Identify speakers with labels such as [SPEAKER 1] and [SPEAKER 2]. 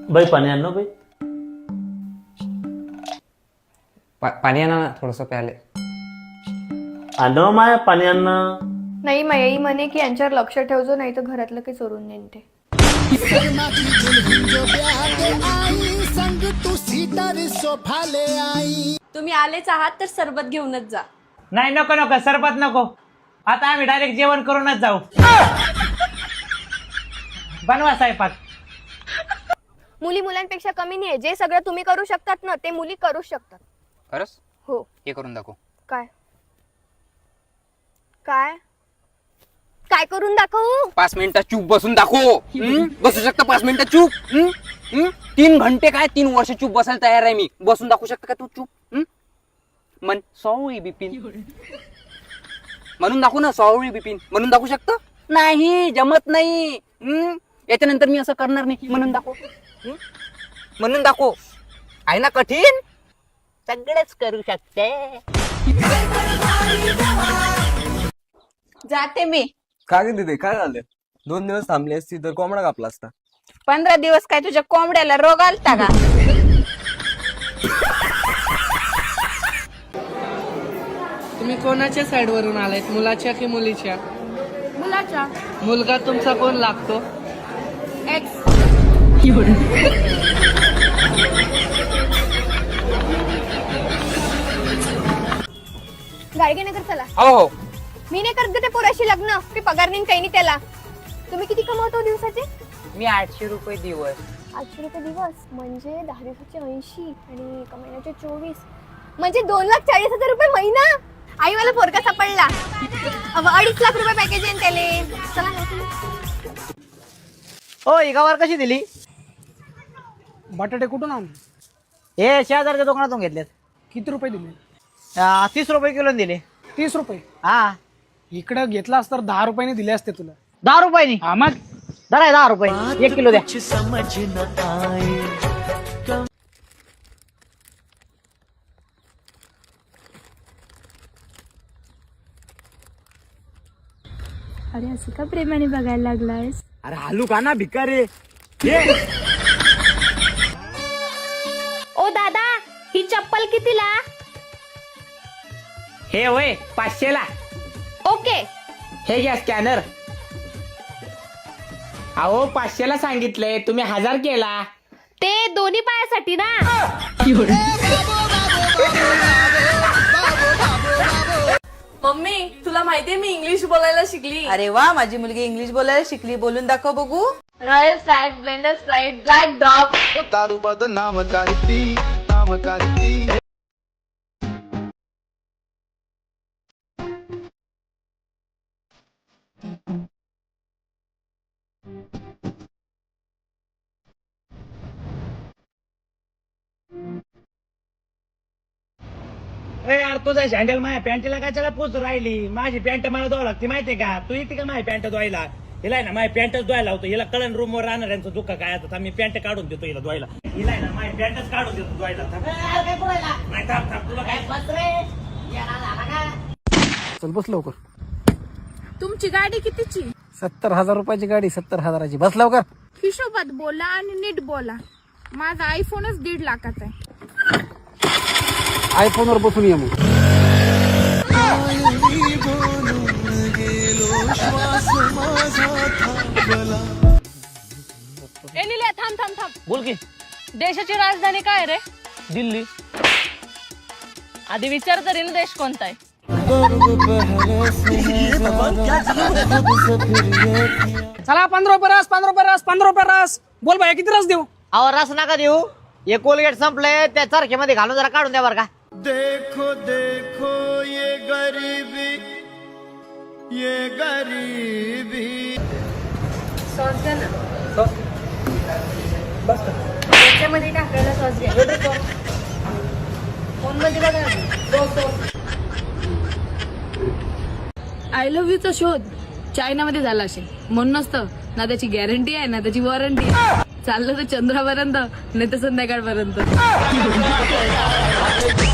[SPEAKER 1] बाई पाणी आण ना बाई.
[SPEAKER 2] पाणी आणा ना थोडस प्याले.
[SPEAKER 1] आण ना माया पाणी आण ना.
[SPEAKER 3] नाही माई म्हणे की यांच्यावर लक्ष ठेवजो नाही तर घरातलं काही चोरून नेन ते.
[SPEAKER 4] तुम्ही आलेच आहात तर सरबत घेऊनच जा.
[SPEAKER 5] नाही नको नको सरबत नको. आता आम्ही डायरेक्ट जेवण करूनच जाऊ. बनवा स्वयंपाक.
[SPEAKER 3] मुली मुलांपेक्षा कमी नाहीये. जे सगळं तुम्ही करू शकतात ना ते मुली करू शकतात.
[SPEAKER 2] खरंच
[SPEAKER 3] हो.
[SPEAKER 2] हे करून दाखव.
[SPEAKER 3] काय काय काय करून दाखवू?
[SPEAKER 2] 5 मिनिटं चूप बसून दाखव. बसू शकता 5 मिनिटं चूप? 3 घंटे काय 3 वर्ष चूप बसायला तयार आहे मी. बसून दाखवू शकता का तू चूप? मन सॉरी बिपिन म्हणून दाखवू ना. सॉरी बिपिन म्हणून दाखवू शकता? नाही जमत नाही. याच्यानंतर मी असं करणार नाही. म्हणून दाखव. म्हणून दाखव. आहे ना कठीण? सगळेच करू शकते.
[SPEAKER 4] जाते मी.
[SPEAKER 6] काय गे दीदी काय झालं? 2 दिवस थांबली असती तर कोंबडा कापला असता.
[SPEAKER 4] 15 दिवस काय तुझ्या कोंबड्याला रोग आलता का?
[SPEAKER 7] तुम्ही कोणाच्या साइड वरून आलायत, मुलाच्या की मुलीच्या?
[SPEAKER 4] मुलाच्या.
[SPEAKER 7] मुलगा तुमचा कोण लागतो?
[SPEAKER 4] एक्स.
[SPEAKER 3] गाडगे नगर चला.
[SPEAKER 2] हो हो.
[SPEAKER 3] मी नाही करत ते पोराशी लग्न. ते पगार नाही काही नाही त्याला. तुम्ही किती कमवतो दिवसाचे?
[SPEAKER 2] मी 800 रुपये दिवस.
[SPEAKER 3] 800 रुपये दिवस म्हणजे 10 दिवसाचे 80 आणि एका महिन्याचे 24 म्हणजे 2,40,000 रुपये महिना. आई मला पोरका सापडला. 2.5 लाख रुपये पॅकेज आहे त्याले. चला ना.
[SPEAKER 5] हो एकावर कशी दिली?
[SPEAKER 7] बटाटे कुठून आणले?
[SPEAKER 5] हे शेजारच्या दुकानातून घेतलेत.
[SPEAKER 7] किती रुपये दिले?
[SPEAKER 5] 30 रुपये किलो दिले.
[SPEAKER 7] 30 रुपये.
[SPEAKER 5] हा
[SPEAKER 7] इकडे घेतलास तर 10 रुपयाने दिले असते तुला.
[SPEAKER 5] 10 रुपयानी.
[SPEAKER 7] हा मग
[SPEAKER 5] धरा 10 रुपये 1 किलो द्या.
[SPEAKER 4] अरे असं का प्रेमाने बघायला लागलायस?
[SPEAKER 5] अरे हालू का ना भिकारी.
[SPEAKER 4] ओ दादा ही चप्पल कितीला?
[SPEAKER 5] हे होय 500 ला.
[SPEAKER 4] ओके.
[SPEAKER 5] हे घ्या स्कॅनर. अहो 500 ला सांगितलंय तुम्ही 1000 केला.
[SPEAKER 4] ते दोन्ही पायासाठी ना. मम्मी तुला माहितीये मी इंग्लिश बोलायला शिकली.
[SPEAKER 8] अरे वा माझी मुलगी इंग्लिश बोलायला शिकली. बोलून दाखव बघू.
[SPEAKER 4] Royal Flag Blender Sprite Black Dog.
[SPEAKER 5] यार तुझा सँडल माझ्या पॅन्टला काय पूज राहिली. माझी पॅन्ट मला धुवा लागते माहितीये का? तू येते का माझी पॅन्ट धुवायला? हिला आहे ना माझी पॅन्टच धुवायला होतो. हिला कळण रूम वर राहणार यांचं दुःख काय आता. मी पॅन्ट काढून देतो हिला धुवायला. हिला आहे ना माझी पॅन्टच काढून देतो धुवायला. नाही थांब थांब तुला काय
[SPEAKER 7] चल बस लवकर.
[SPEAKER 4] तुमची गाडी कितीची?
[SPEAKER 7] 70,000 रुपयाची गाडी. 70,000ची. बस लवकर.
[SPEAKER 4] हिशोबात बोला आणि नीट बोला. माझा आयफोनच 1.5 लाखाचा आहे.
[SPEAKER 7] आयफोन वर बसून ये मग.
[SPEAKER 4] एलिया थांब थांब थांब.
[SPEAKER 5] बोल की.
[SPEAKER 4] देशाची राजधानी काय रे?
[SPEAKER 5] दिल्ली.
[SPEAKER 4] आधी विचार तरी ना देश कोणता आहे?
[SPEAKER 7] चला 15 रुपये रस. 15 रुपये रस. 15 रुपये रस. बोल भाई किती रस देऊ?
[SPEAKER 5] अहो रस नका देऊ. हे कोलगेट संपलंय त्या चरख्यामध्ये घालून जरा काढून द्या बरं का.
[SPEAKER 9] देखो देखो ये गरीबी
[SPEAKER 4] सॉस घ्या ना. त्याच्यामध्ये टाकायला सॉस घ्या. फोन मध्ये बघा. आय लव्ह यूचा शोध चायनामध्ये झाला असेल. म्हणूनच तर ना त्याची गॅरंटी आहे ना त्याची वॉरंटी आहे. चाललं तर चंद्रापर्यंत नाही तर संध्याकाळपर्यंत.